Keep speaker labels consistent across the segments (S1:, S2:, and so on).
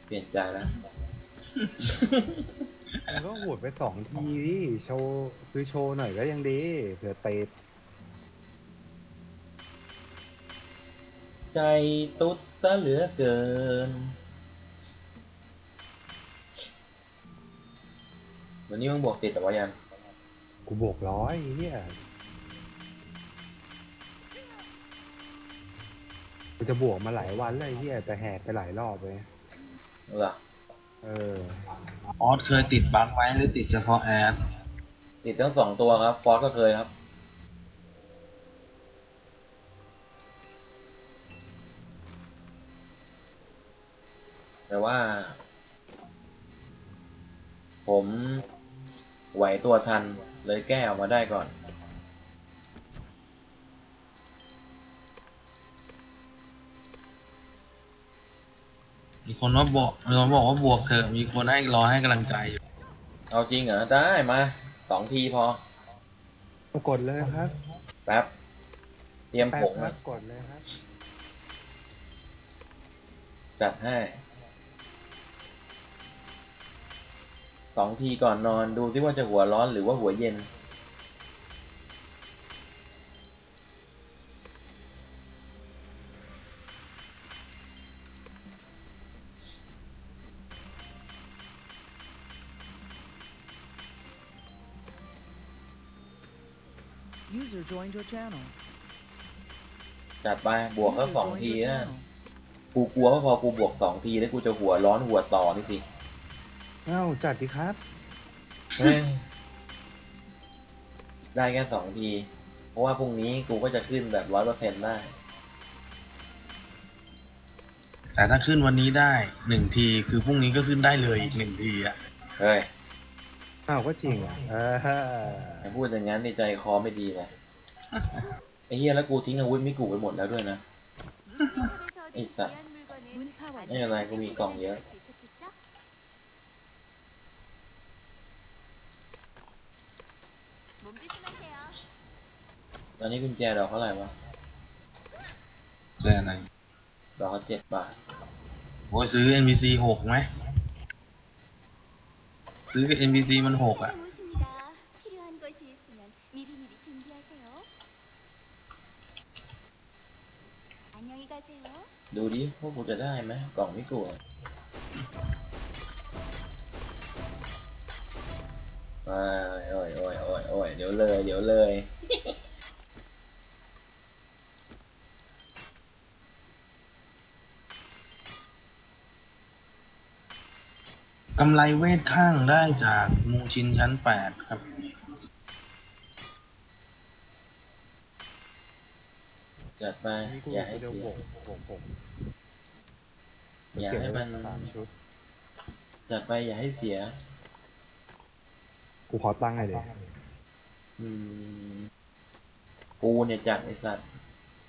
S1: เปลี่ยนใจแล้ว
S2: มันก็โหวตไป2 ทีดิโชว์คือโชว์หน่อยก็ยังดีเผื่อเตะ
S1: ใจตุ๊ดซะเหลือเกินวันนี้มึงบวกติดแต่ว่ายัง
S2: กูบวก100เฮียกูจะบวกมาหลายวันเลยเฮียแต่แหกไปหลายรอบเลย
S1: เหรอ
S2: เออ
S3: ออสเคยติดบั๊กไหมหรือติดเฉพาะแอด
S1: ติดทั้ง2 ตัวครับฟอสก็เคยครับแต่ว่า ผมไหวตัวทันเลยแก้ออกมาได้ก่อน
S3: มีคนว่าบอกว่าบวกเถอะมีคนให้รอให้กำลังใจอยู่
S1: เอาจริงเหรอได้มา2 ทีพอ
S2: กดเลยครับ
S1: แป๊บเตรียมผง
S2: ครั
S1: นะ
S2: บกดเลยครับ
S1: จัดให้2 ทีก่อนนอนดูที่ว่าจะหัวร้อนหรือว่าหัวเย็นจัดไปบวกก็2 ทีนะกูกลัวว่าพอกูบวก2 ทีแล้วกูจะหัวร้อนหัวต่อนี่สิ
S2: เอ้าจัดดิครับ
S1: ได้แค่2 ทีเพราะว่าพรุ่งนี้กูก็จะขึ้นแบบ100%ได้
S3: แต่ถ้าขึ้นวันนี้ได้1 ทีคือพรุ่งนี้ก็ขึ้นได้เลยอีก1 ทีอ่ะ
S1: เฮ้ย
S2: อ้าวก็จริงอ่ะ
S1: อย่าพูดอย่างนั้นในใจคอไม่ดีเลยไอ้เหี้ยแล้วกูทิ้งอาวุธมิกุไปหมดแล้วด้วยนะไอ้สัตว์ไม่เป็นไรกูมีกล่องเยอะตอนนี้กุญแจดอกเท่าไหร่วะ
S3: ใช่ไหม
S1: ดอก7 บาท
S3: โอ้ยซื้อ NPC 6ไหมซื้อ NPC มัน6อ่ะ
S1: ดูดิพวกกูจะได้ไหมกล่องมิกุโอ้ยเดี๋ยวเลย
S3: กำไรเวทข้างได้จากมูชินชั้น8ครับ
S1: จัดไปอย่าให้เสียอย่าให้มันจัดไปอย่าให้เสีย
S2: กูขอตั้งให้เลย
S1: กูเนี่ยจัดไอ้สัตว์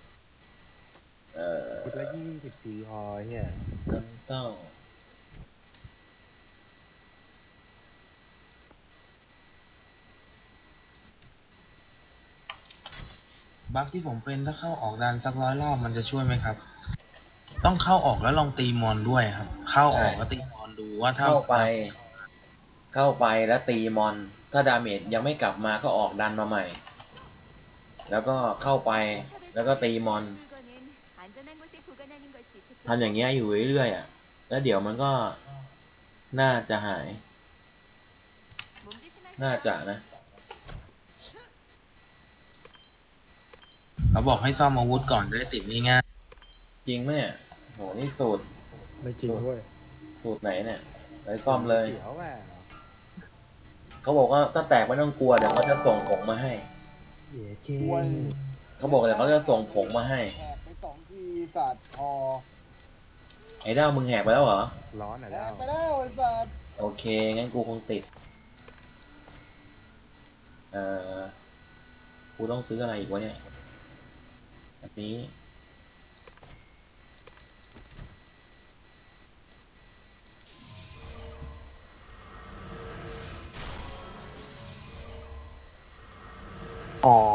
S2: ชุดละ20 ทีพอเฮีย
S1: น้ำเต้า
S3: บั๊กที่ผมเป็นถ้าเข้าออกดันสัก100 รอบมันจะช่วยไหมครับต้องเข้าออกแล้วลองตีมอนด้วยครับเข้าออกแล้วตีมอนดูว่า
S1: เข้าไปแล้วตีมอนถ้าดาเมจยังไม่กลับมาก็ออกดันมาใหม่แล้วก็เข้าไปแล้วก็ตีมอนทำอย่างเงี้ยอยู่เรื่อยๆอ่ะแล้วเดี๋ยวมันก็น่าจะหายน่าจะนะ
S3: เขาบอกให้ซ่อมอาวุธก่อนจะได้ติดง่าย
S1: จริงไหมโหนี่สูตร
S2: ไม่จริงเว้ย
S1: สูตรไหนเนี่ยไปซ่อมเลย
S2: เดี๋ยวแหว
S1: เขาบอกว่าถ้าแตกไม่ต้องกลัวเดี๋ยวเขาจะส่งผงมาให้เขาบอกเดี๋ยวเขาจะส่งผงมาให้
S4: แหกไป2 ทีสัตว์พอ
S1: ไอ้ด้าวมึงแหกไปแล้วเหรอ
S2: ร้อนอ่ะ
S4: แห
S2: แล้ว
S4: กไปแล้วไอ้สัตว์
S1: โอเคงั้นกูคงติดกูต้องซื้ออะไรอีกวะเนี่ยอันนี้
S2: อ๋อ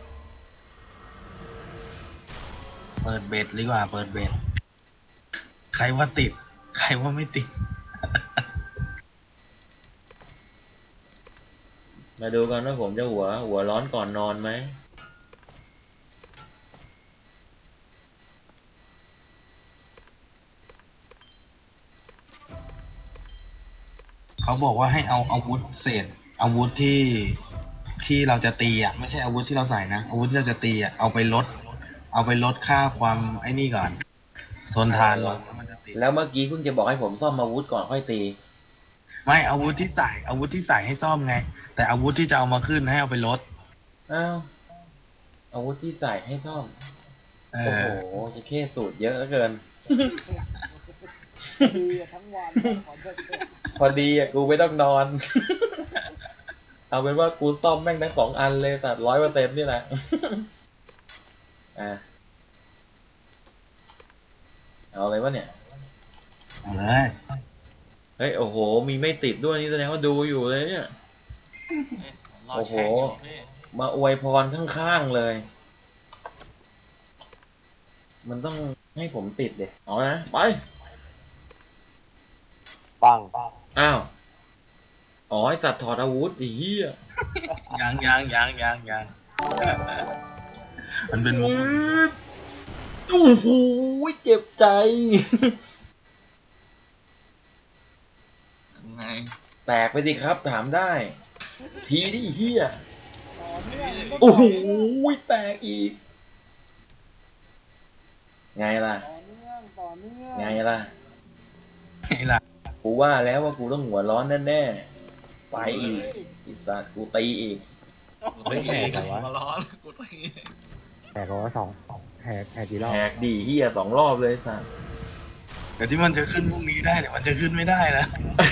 S3: เปิดเบ็ดดีกว่าเปิดเบ็ดใครว่าติด ใครว่าไม่ติด
S1: มาดูกันว่าผมจะหัวร้อนก่อนนอนไหม
S3: เขาบอกว่าให้เอาอาวุธเศษอาวุธที่เราจะตีอ่ะไม่ใช่อาวุธที่เราใส่นะอาวุธที่เราจะตีอ่ะเอาไปลดค่าความไอ้นี่ก่อนทนทานลงแล้วมันจะตี
S1: แล้วเมื่อกี้เพิ่งจะบอกให้ผมซ่อมอาวุธก่อนค่อยตี
S3: ไม่อาวุธที่ใส่ให้ซ่อมไง แต่อาวุธที่จะเอามาขึ้นให้เอาไปลด
S1: อ้าวอาวุธที่ใส่ให้ซ่อม
S3: เอ
S1: โอ้
S3: อ
S1: โหจะเข้สูตรเยอะเหลือเกิน
S4: ดีทั้งวันขอเถอะ
S1: พอดีอ่ะกูไม่ต้องนอน เอาเป็นว่ากูซ่อมแม่งทั้ง2 อันเลยแต่100%นี่แหละ อ่ะเอาเลยวะเนี่ย
S3: เอาเลย
S1: เฮ้ย โอ้โห มีไม่ติดด้วยนี่แสดงว่าดูอยู่เลยเนี่ย
S5: รอ
S1: โอ้โห
S5: แช่งอยู่พี่
S1: มาอวยพรข้างๆเลย มันต้องให้ผมติดเด็เอานะ ไป
S2: ปัง
S1: อ้าว อ๋อไอสัตว์ถอดอาวุธไอ้เหี้ย
S3: ยังมันเป็นมุก
S1: โอ้โหเจ็บใจ
S5: ยังไง
S1: แตกไปสิครับ ถามได้ ทีดิเหี้ย
S4: ต่อเนื่อง
S1: โอ้โหแตกอีก ไงล่ะ
S4: ต่อเนื่อง
S1: ไงล่ะ
S3: ไงล่ะ
S1: กูว่าแล้วว่ากูต้องหัวร้อนแน่ๆ ไปอีกอีสัตว์กูตีอีก
S2: ไม่แหกเหรอวะ
S5: มาร้อนกูตี
S2: แหกเหรอวะแหกกี่รอบ
S1: แหกดีเฮีย2 รอบเลยสัตว์
S3: แต่ที่มันจะขึ้นพรุ่งนี้ได้แต่มันจะขึ้นไม่ได้นะ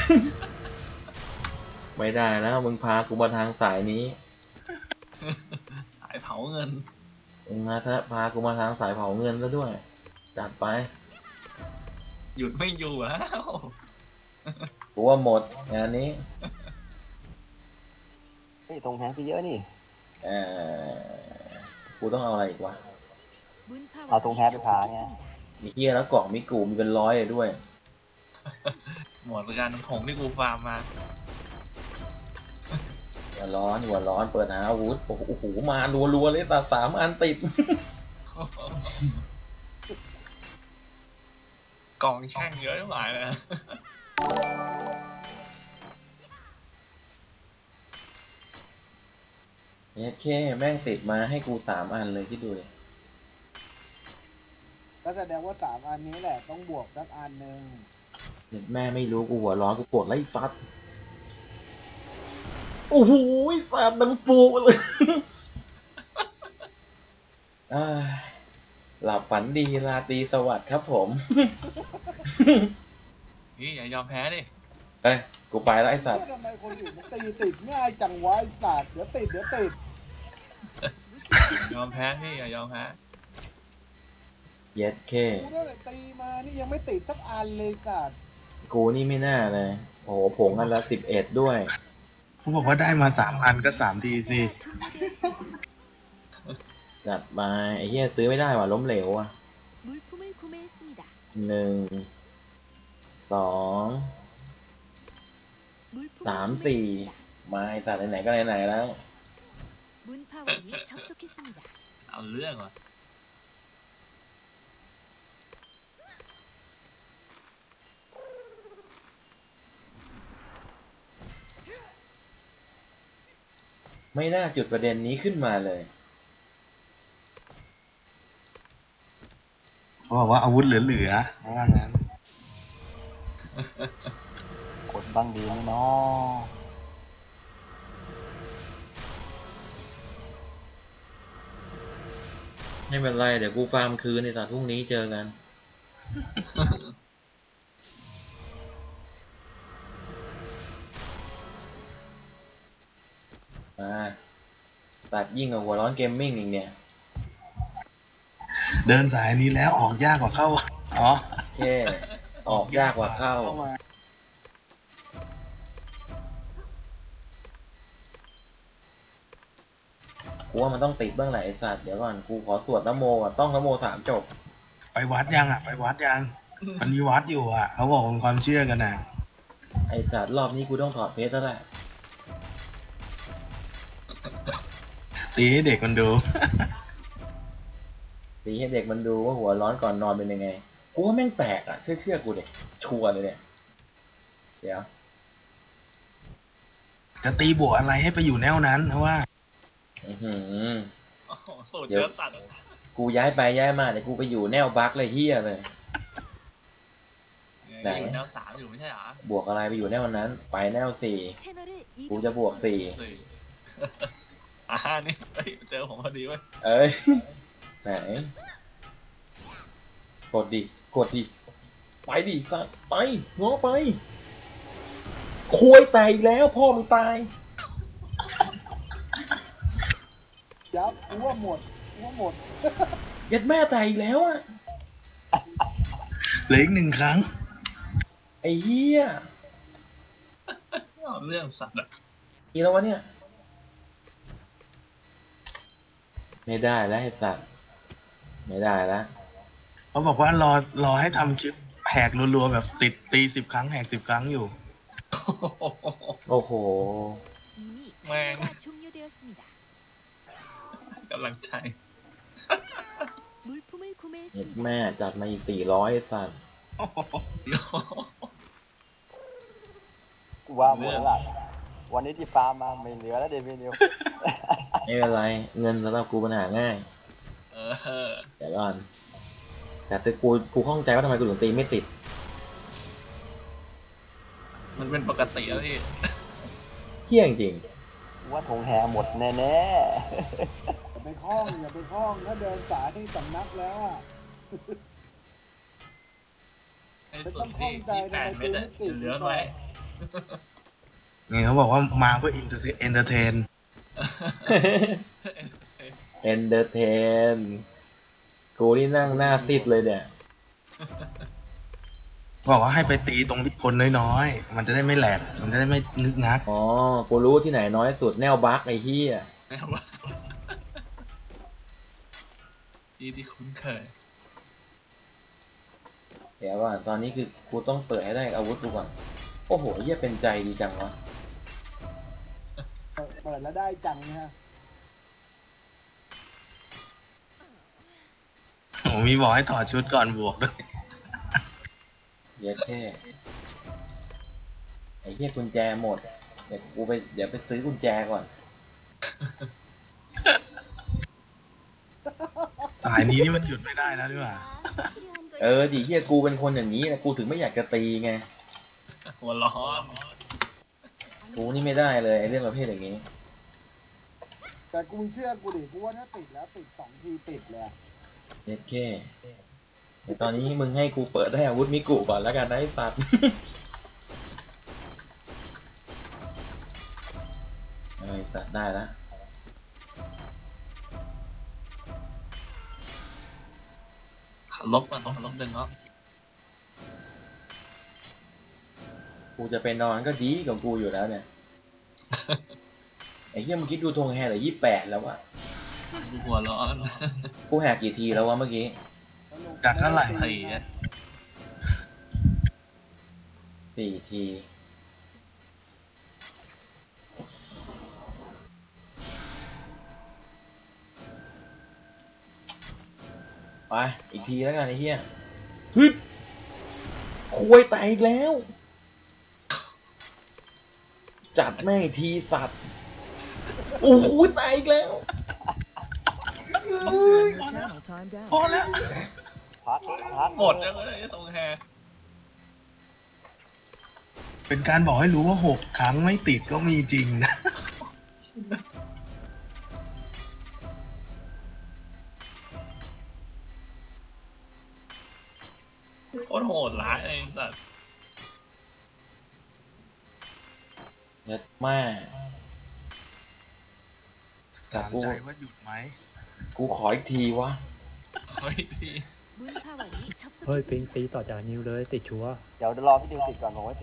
S1: ไม่ได้แล้วมึงพากูมาทางสายนี้
S5: สายเผาเงิน
S1: มึงพากูมาทางสายเผาเงินซะด้วย จัดไป
S5: หยุดไม่อยู่แล้ว
S1: กูว่าหมดงานนี้
S2: นี่ตรงแพ้ไปเยอะนี่
S1: เอกูต้องเอาอะไรอีกวะ
S6: เอาตรงแพ้ไปพาไง
S1: มีเฮียแล้วกล่องมีกูมีเป็น100เลยด้วย
S5: หมดการผงที่กูฟาร์มมา
S1: หัวร้อนเปิดหาอาวุธโอ้โหมารัวๆเลยแต่3 อันติด
S5: กองแช่งเยอะหลายเลยนะ
S1: เนี่ยแค่แม่งติดมาให้กู3 อันเลยที่ดูเลย
S4: ก็แสดงว่า3 อันนี้แหละต้องบวกสักอันหนึ่ง
S1: แม่ไม่รู้กูหัวร้อนกูปวดไล่ฟัด โอ้โหสัตว์มันฟูเลย อ่าหลับฝันดีราตรีสวัสดิ์ครับผม
S5: พี่อย่ายอมแพ้ดิ
S1: เอ้ยกูไปแล้วไอ้สัตว์
S4: ทำไมคนอื่นมันตีติดง่ายจังวะไอ้สัตว์เดี๋ยวติด
S5: ยอมแพ้พี่อย่ายอมแพ้
S1: เย็ดเค
S4: กูตั้งแต่ตีมานี่ยังไม่ติดสักอันเลยสัตว์
S1: กูนี่ไม่น่าเลย โอ้โหผงอันละ11ด้วย
S3: เขาบอกว่าได้มา3 อันก็3 ทีสิ
S1: จัดมาไอ้เหี้ยซื้อไม่ได้ว่ะล้มเหลวว่ะ 1 2 3 4มาไอ้สัตว์ไหนๆก็ไหนๆแล้ว
S5: เอาเรื่องว่ะ
S1: ไม่น่าจุดประเด็นนี้ขึ้นมาเลย
S3: เขาบอกว่าอาวุธเหลือๆว่างั้น
S6: กดบ้างดีไหมเนาะ
S1: ไม่เป็นไรเดี๋ยวกูฟาร์มคืนในสัตว์พรุ่งนี้เจอกัน มาตัดยิ่งกว่าหัวร้อนเกมมิ่งอีกเนี่ย
S3: เดินสายนี้แล้วออกยากกว่าเข้า อ๋อ
S1: แค่ออกยากกว่าเข้า
S3: มา
S1: กูว่ามันต้องติดบ้างแหละไอ้สัตว์เดี๋ยวก่อนกูขอสวดนะโมก่อนต้องนะโม3 จบ
S3: ไปวัดยังอ่ะ ไปวัดยังมันมีวัดอยู่อ่ะเขาบอกเป็นความเชื่อกันนะ
S1: ไอ้สัตว์รอบนี้กูต้องถอดเพชรแล้วแหละ
S3: ตีให้เด็กมันดู
S1: ตีให้เด็กมันดูว่าหัวร้อนก่อนนอนเป็นยังไง กูว่าแม่งแตกอ่ะ เชื่อกูเด็กชัวร์เลยเนี่ย เดี๋ยว
S3: จะตีบวกอะไรให้ไปอยู่แนวนั้นเพราะว่า
S1: อื้อหือ
S5: โอ้โหสูตรเยอะสัตว์
S1: กูย้ายไปย้ายมาเดี๋ยวกูไปอยู่แนวบั๊กเลยเฮียเลย ไหน
S5: แนวสามอยู่ไม่ใช่เหรอบ
S1: วกอะไรไปอยู่แนวนั้น ไปแนว4 กูจะบวก4
S5: สี่นี่เฮ้ยเจอผมพอดีเว้ย
S1: เอ้ย ไหน กดดิ กดดิ ไปดิสัตว์ไปง้อไปคุยแตกอีกแล้วพ่อมึงตาย
S4: ยับกูว่าหมดกูว่าหมด
S1: ยัดแม่แตกอีกแล้วอ่ะ
S3: เหลืออีก1 ครั้ง
S1: ไอ้เหี้ย
S5: เอาเรื่องสัตว์อะ
S1: กี่แล้ววะเนี่ย ไม่ได้แล้วไอ้สัตว์ไม่ได้แล้ว
S3: เขาบอกว่ารอให้ทำคลิปแหกรัวๆแบบติดตี10 ครั้งแหก10 ครั้งอยู่
S1: โอ้โห
S5: แม่งกำลังใจ
S1: เห็ดแม่จัดมาอีก400ไอ้สัตว์
S6: กูว่าหมดแล้วล่ะวันนี้ที่ฟาร์มมาไม่เหลือแล้วเดวิดนิว
S1: ไม่เป็นไร เงินสำหรับกูปัญหาง่าย
S5: เออ
S1: เดี๋ยวก่อน แต่กูข้องใจว่าทำไมกูถึงตีไม่ติด
S5: มันเป็นปกติแล้วพี่
S1: เที่ยงจริง
S6: กูว่าธงแฮหมดแน่
S4: อย่าไปคล้องอย่าไปคล้องถ้าเดินสายที่สำนักแล้วอะ
S5: ในส่วนที่8 เม็ดอะเหลือไว้
S3: นี่เขาบอกว่ามาเพื่อเอนเตอร์เทน
S1: เอนเตอร์เทน กูนี่นั่งหน้าซีดเลยเนี่ย
S3: บอกว่าให้ไปตีตรงที่คนน้อยๆ มันจะได้ไม่แหลก มันจะได้ไม่นึกงัก
S1: อ๋อ กูรู้ที่ไหนน้อยสุดแนวบักไอ้เหี้ย
S5: แน่ว่าที่คุ้นเคย
S1: เดี๋ยวว่าตอนนี้คือกูต้องเปิดให้ได้อาวุธกูก่อน โอ้โหเหี้ยเป็นใจดีจังวะ
S4: เปิดแล้วได้จังนะฮะ
S3: ผมมีบอกให้ถอดชุดก่อนบวกด้วย
S1: เย็ดแค่ ไอ้เหี้ยกุญแจหมด เดี๋ยวไปซื้อกุญแจก่อน
S3: สายนี้นี่มันหยุดไม่ได้แล้วดีกว่า
S1: เออดิเหี้ยกูเป็นคนอย่างนี้นะกูถึงไม่อยากจะตีไง
S5: หัวร้อน
S1: กูนี่ไม่ได้เลยไอ้เรื่องประเภทอย่างนี้
S4: แต่กูเชื่อกูดิกูว่าถ้าติดแล้วติด2 ทีติดเลยอะ
S1: เย็ดแค่แต่ตอนนี้มึงให้กูเปิดได้อาวุธมิกุก่อนแล้วกันนะไอ้สัตว์ ไอ้สัตว์ได้แล้ว
S5: ขันลบมันต้องขันลบ1เนาะ
S1: กูจะไปนอนก็ดีกับกูอยู่แล้วเนี่ย ไอ้เหี้ยมึงคิดดูธงแฮร์เหลือ28แล้ววะ
S5: กูหัวร้อน
S1: กูแหกกี่ทีแล้ววะเมื่อกี้
S3: จากเท่าไหร่
S5: ไอ้อะ
S1: 4 ที ไป อีกทีแล้วกันไอ้เหี้ยฮึดคุยแตกอีกแล้ว จัดแม่งอีกทีสัตว์ โอ้โหแตกอีกแล้ว
S3: พอแล้ว
S6: ๆพัด
S5: หมดแล้วเลยตรงแฮ
S3: เป็นการบอกให้รู้ว่า6 ครั้งไม่ติดก็มีจริงนะ
S5: โคตรโหดร้ายไอ้สัตว์
S1: เย็ดแม่แต่
S3: ถาม
S1: กู
S3: ใจว่าหยุดไหม
S1: กูขออีกทีวะ
S5: เฮ้ยที
S2: เฮ้ยปิงตีต่อจากนิวเลยติดชัวร์
S6: เดี๋ยวรอพี่ดิวติดก่อนผมไว้ตี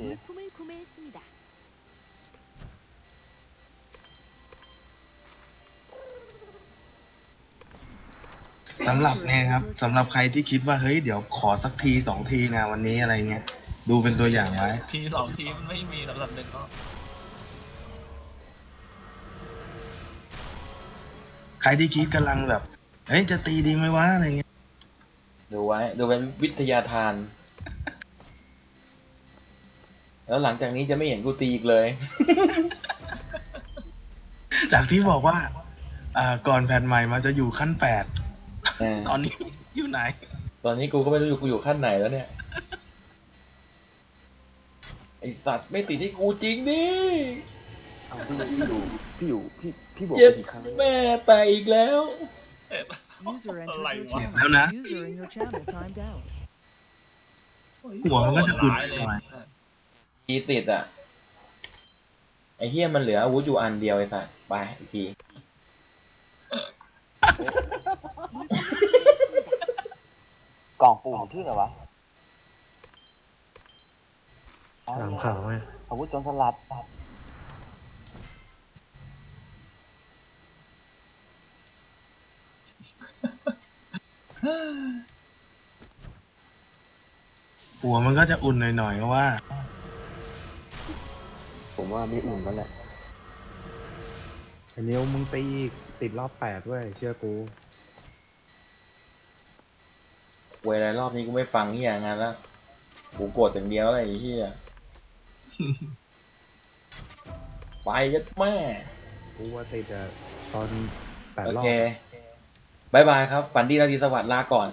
S3: คสำหรับเนี่ยครับสำหรับใครที่คิดว่าเฮ้ยเดี๋ยวขอสักทีสองทีนะวันนี้อะไรเงี้ยดูเป็นตัวอย่างไว้
S5: ทีสองทีมันไม่มีสำหรับเด็กก็
S3: ใครที่คิดกำลังแบบเฮ้ยจะตีดีไหมวะอะไรเงี้ย
S1: ดูไว้ดูเป็นวิทยาทาน แล้วหลังจากนี้จะไม่เห็นกูตีอีกเลย
S3: จากที่บอกว่าก่อนแผ่นใหม่มาจะอยู่ขั้น8ตอนนี้อยู่ไหน
S1: ตอนนี้กูก็ไม่รู้กูอยู่ขั้นไหนแล้วเนี่ย ไอสัตว์ไม่ติดที่กูจริงดิ
S6: เอาพี่บอก
S1: เจ็บ
S6: ไปกี่ครั้ง
S1: แม่แตกอีกแล้ว
S7: User entered
S5: Like
S7: your
S5: what?
S7: channel.
S3: แล้วนะ
S7: User in your channel timed out.
S3: หัวมันก็จะอุ่น
S5: ร้ายเลย
S3: หน่อย
S1: ทีติดอ่ะ ไอเฮียมันเหลืออาวุธอยู่อันเดียวไอสัตว์ไปอีกที
S6: กล่องปูมันชื่ออะไรวะ
S2: ถามข่าวไหม
S6: อาวุธโจรสลัด
S3: หัวมันก็จะอุ่นหน่อยๆเพราะว่า
S6: ผมว่าไม่อุ่นแล้วแหละ
S2: ไอ้นิ้วมึงตีอีกติดรอบ8ด้วยเชื่อกู
S1: เวลารอบนี้กูไม่ฟังเฮียงานแล้วกูโกรธอย่างเดียวอะไรไอ้เฮีย ไปยัดแม่
S2: กูว่าติดอะตอน
S1: โอ
S2: 8 รอบ
S1: เคบายบายครับ ฝันดีราตรีสวัสดิ์ลาก่อน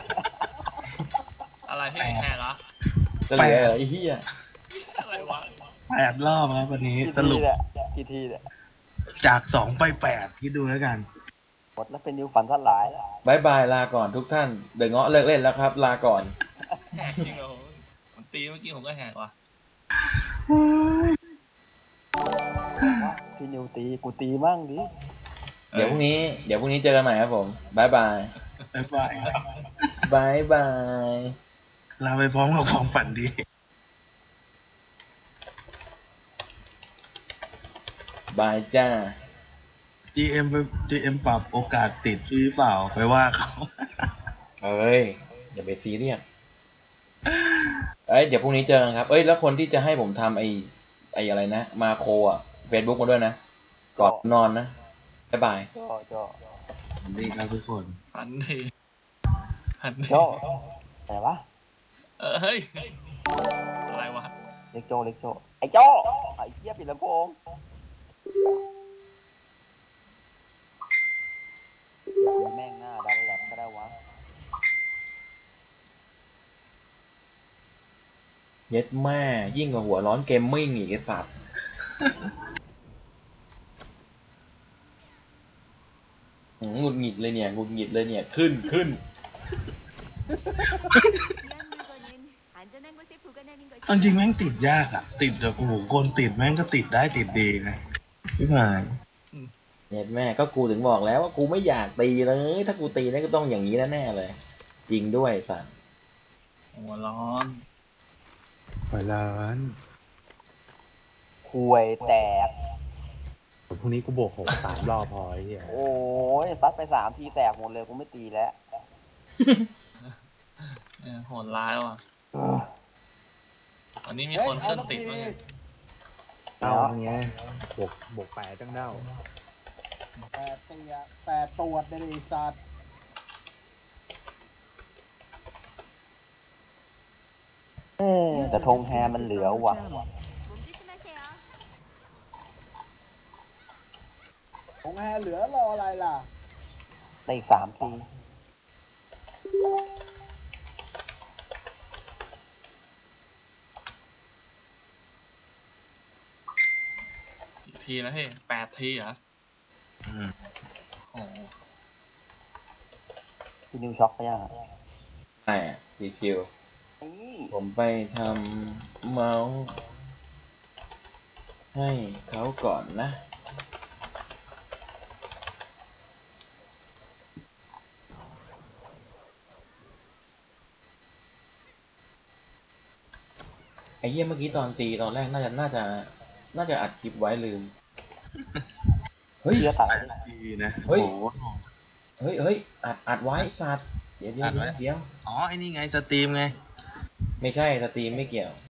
S5: อะไรที่แหกเหรอ
S1: จะเหลือไอ้เฮีย
S5: อะไรวะ
S3: 8 รอบครับวันนี้สรุป
S6: กี่ทีเนี่ย
S3: จาก2ไป8คิดดูแล้วกัน
S6: หมดแล้วเป็นนิวฝันสลายแล้ว
S1: บายบายลาก่อนทุกท่าน เดอะเงาะเลิกเล่นแล้วครับ ลาก่อน
S5: แหกจริงเหรอผมตีเมื่อกี้ผมก็แหกว่ะ
S6: พี่นิวตีกูตีมั่งดิ
S1: เดี๋ยวพรุ่งนี้เจอกันใหม่ครับผมบายบาย
S3: บ๊ายบายครับ
S1: บายบาย
S3: ลาไปพร้อมกับความฝันดี
S1: บายจ้า
S3: GM ปรับโอกาสติดพี่เปล่าไปว่าเขา
S1: เอ้ยอย่าไปซีเรียสเอ้ยเดี๋ยวพรุ่งนี้เจอกันครับ เอ้ยแล้วคนที่จะให้ผมทำไอ้อะไรนะมาโครอ่ะเฟซบุ๊กมาด้วยนะก่อนนอนนะบายบาย
S6: โจ
S3: ดีครับทุกคน
S5: พันดีพันดี
S6: โจไหนวะ
S5: เฮ้ย อะไรวะ
S6: เล็กโจไอ้โจไอ้เหี้ยปิดลำโพงแม่งหน้าดันแหลมก็ได้วะ
S1: เย็ดแม่ยิ่งกว่าหัวร้อนเกมมิ่งอีกไอ้สัตว์หงุดหงิดเลยเนี่ยหงุดหงิดเลยเนี่ยขึ้น
S3: เอาจริงแม่งติดยากอ่ะ ติดแบบโอ้โหคนติดแม่งก็ติดได้ติดดีนะพี่พาย
S1: เย็ดแม่ก็กูถึงบอกแล้วว่ากูไม่อยากตีเลยถ้ากูตีนั่นก็ต้องอย่างนี้แน่ๆเลย จริงด้วยสัตว์
S5: หัวร้อน
S2: ปล่อยร้าน
S6: คุยแตก
S2: พรุ่งนี้กูบวก6 3 รอบพอไอ้เหี้ย
S6: โอ้ยซัดไป3 ทีแตกหมดเลยกูไม่ตีแล้ว
S5: โหดร้ายว่ะวันนี้มีคนเครื่องติดมั้งเนี่ย
S2: เด้าอย่างเงี้ยบวก8จังเด้า
S4: 8 ตรวจในไอ้สัตว์
S6: แต่ธงแฮมันเหลือว่ะ
S4: ของแฮเหลือรออะไรล่ะ
S6: ได้อีก3 ที
S5: กี่ทีนะพี่8 ทีเหรอ
S3: อืม
S5: โอ้โห
S6: พี่นิวช็อกไปยังอะ
S1: ใช่ดีคิวผมไปทำเมาส์ให้เขาก่อนนะไอ้เหี้ยเมื่อกี้ตอนตีตอนแรกน่าจะอัดคลิปไว้ลืม เฮ้ย
S6: เชื่อตัด
S3: ดีนะ
S1: เฮ้ย
S3: โอ้โห
S1: เฮ้ยเฮ้ยอัดไว้สัตว์เดี๋ยว
S3: อัดไว้
S1: เดี๋ยว
S3: อ๋อไอ้นี่ไงสตรีมไง
S1: ไม่ใช่สตรีมไม่เกี่ยว